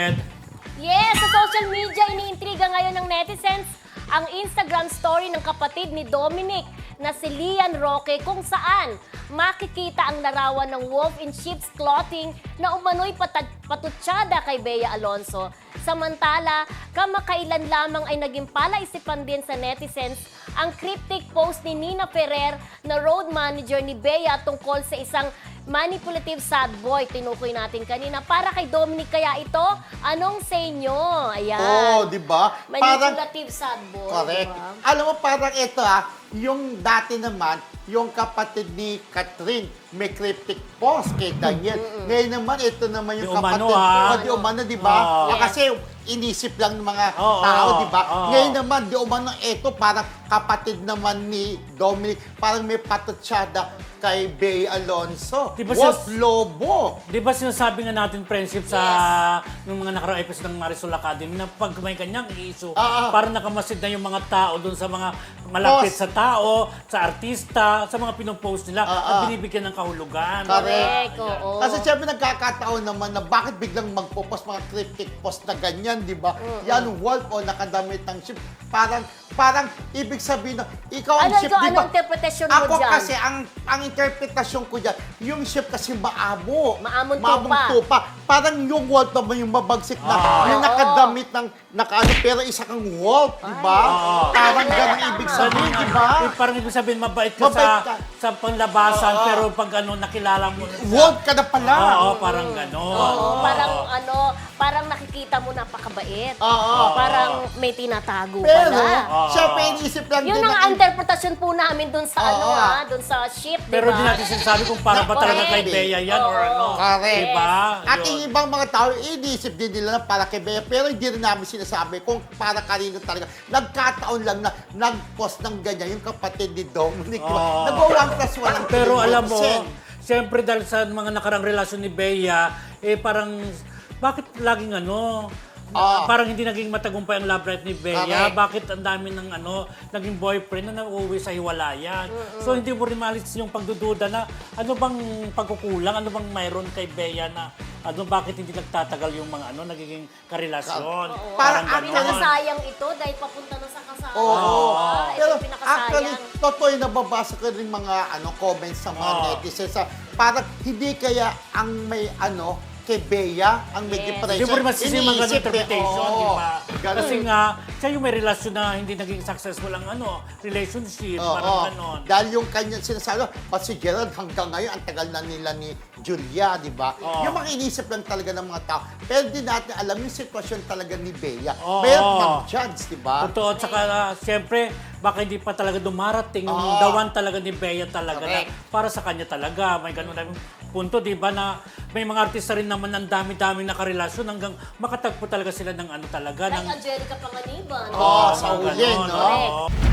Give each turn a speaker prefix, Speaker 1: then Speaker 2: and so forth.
Speaker 1: Yes, sa social media, iniintriga ngayon ng netizens ang Instagram story ng kapatid ni Dominic na si Lian Roque kung saan makikita ang larawan ng wolf in sheep's clothing na umano'y patutsada kay Bea Alonzo. Samantala, kamakailan lamang ay naging palaisipan din sa netizens ang cryptic post ni Nina Ferrer na road manager ni Bea tungkol sa isang manipulative sad boy. Tinukoy natin kanina. Para kay Dominic kaya ito, anong sa inyo? Ayan.
Speaker 2: Oo, di ba?
Speaker 1: Manipulative sad boy.
Speaker 2: Correct.
Speaker 1: Diba?
Speaker 2: Alam mo, parang ito yung dati naman, yung kapatid ni Catherine, may cryptic post kay Daniel. Ngayon naman, ito naman yung
Speaker 3: Di umano,
Speaker 2: kapatid. Di umano, di ba?
Speaker 3: Oh.
Speaker 2: Kasi inisip lang ng mga tao, di ba? Ngayon naman, di umano, ito parang kapatid naman ni Dominic, parang may patutsada kay Bea Alonzo.
Speaker 3: Di ba
Speaker 2: Wolf Lobo.
Speaker 3: Di ba sinasabi nga natin, friendship, sa nung mga nakaraang episode ng Marisol Academy na pag may kanyang issue, parang nakamasid na yung mga tao doon sa mga malapit sa tao, sa artista, sa mga pinopost nila at binibigyan ng kahulugan.
Speaker 1: Correct, oo.
Speaker 2: Kasi siyempre nagkakataon naman na bakit biglang magpo-post mga cryptic post na ganyan, di ba? Yan, wolf o nakadamit ng ship. Parang ibig sabihin na ikaw ang
Speaker 1: Ano
Speaker 2: ship,
Speaker 1: ito?
Speaker 2: di ba?
Speaker 1: Anong interpretasyon mo
Speaker 2: Ako
Speaker 1: dyan?
Speaker 2: kasi, ang interpretasyon ko dyan, yung ship kasi maamo.
Speaker 1: Maamong
Speaker 2: tupa. Parang yung wolf naman yung mabagsik na, yung nakadamit ng, pero isa kang wolf, di ba? Parang ganun ibig sabihin, di ba?
Speaker 3: Parang ibig sabihin, mabait ka
Speaker 2: Mabait ka.
Speaker 3: sa panglabasan, pero pag nakilala mo na siya.
Speaker 2: Wolf ka na pala.
Speaker 3: Oo, parang gano'n.
Speaker 1: Oo, parang nakikita mo napakabait.
Speaker 2: Oo.
Speaker 1: Parang may tinatago
Speaker 2: Pero,
Speaker 1: pala.
Speaker 2: siyempre, iniisip lang
Speaker 1: Yun
Speaker 2: din
Speaker 1: ang
Speaker 2: ng
Speaker 1: interpretasyon po namin dun sa dun sa ship, di ba?
Speaker 3: Pero di natin sinasabi kung para ba talaga kay
Speaker 2: Correct.
Speaker 3: Bea yan or ano.
Speaker 2: Correct.
Speaker 3: Diba?
Speaker 2: At
Speaker 3: Yun.
Speaker 2: yung ibang mga tao, iniisip din nila na para kay Bea. Pero hindi rin namin sinasabi kung para kanino talaga. Nagkataon lang na nag-post ng ganyan yung kapatid ni Dominic. Nag-1 plus 1 ang
Speaker 3: Pero alam mo,
Speaker 2: Sen.
Speaker 3: siyempre dahil sa mga nakarang relasyon ni Bea, parang, bakit laging parang hindi naging matagumpay ang love life ni Bea.
Speaker 2: Correct.
Speaker 3: Bakit ang dami ng naging boyfriend na nauuwi sa hiwalayan. So hindi mo rin malis yung pagdududa na ano bang pagkukulang, ano bang mayroon kay Bea na bakit hindi nagtatagal yung mga nagiging karelasyon.
Speaker 2: Parang
Speaker 3: Parang
Speaker 1: Pinakasayang ito dahil papunta na sa kasal.
Speaker 2: Oo.
Speaker 1: Ito
Speaker 2: Pero
Speaker 1: yung pinakasayang.
Speaker 2: actually, totoo yung nababasa ko rin mga comments sa mga netizens. Parang hindi kaya ang may kay Bea ang may depression.
Speaker 3: Hindi mo rin masisisi mga ganun interpretation, di ba?
Speaker 2: Ganun.
Speaker 3: Kasi nga, siya yung may relasyon na hindi naging successful ang relationship, parang ganon.
Speaker 2: Dahil yung kanya sinasabi, si Gerald hanggang ngayon, ang tagal na nila ni Julia, di ba? Yung mga inisip lang talaga ng mga tao. Pero di natin alam yung sitwasyon talaga ni Bea. Bea mag-judge, di ba?
Speaker 3: Totoo, at saka siyempre, baka hindi pa talaga dumarating yung dawan talaga ni Bea talaga na para sa kanya talaga. May ganun na punto, di ba, na may mga artista rin naman ang dami-dami na karelasyon hanggang makatagpo talaga sila ng talaga.
Speaker 1: Like Angelica Panganiban.
Speaker 2: Sa uli, no?
Speaker 1: Correct.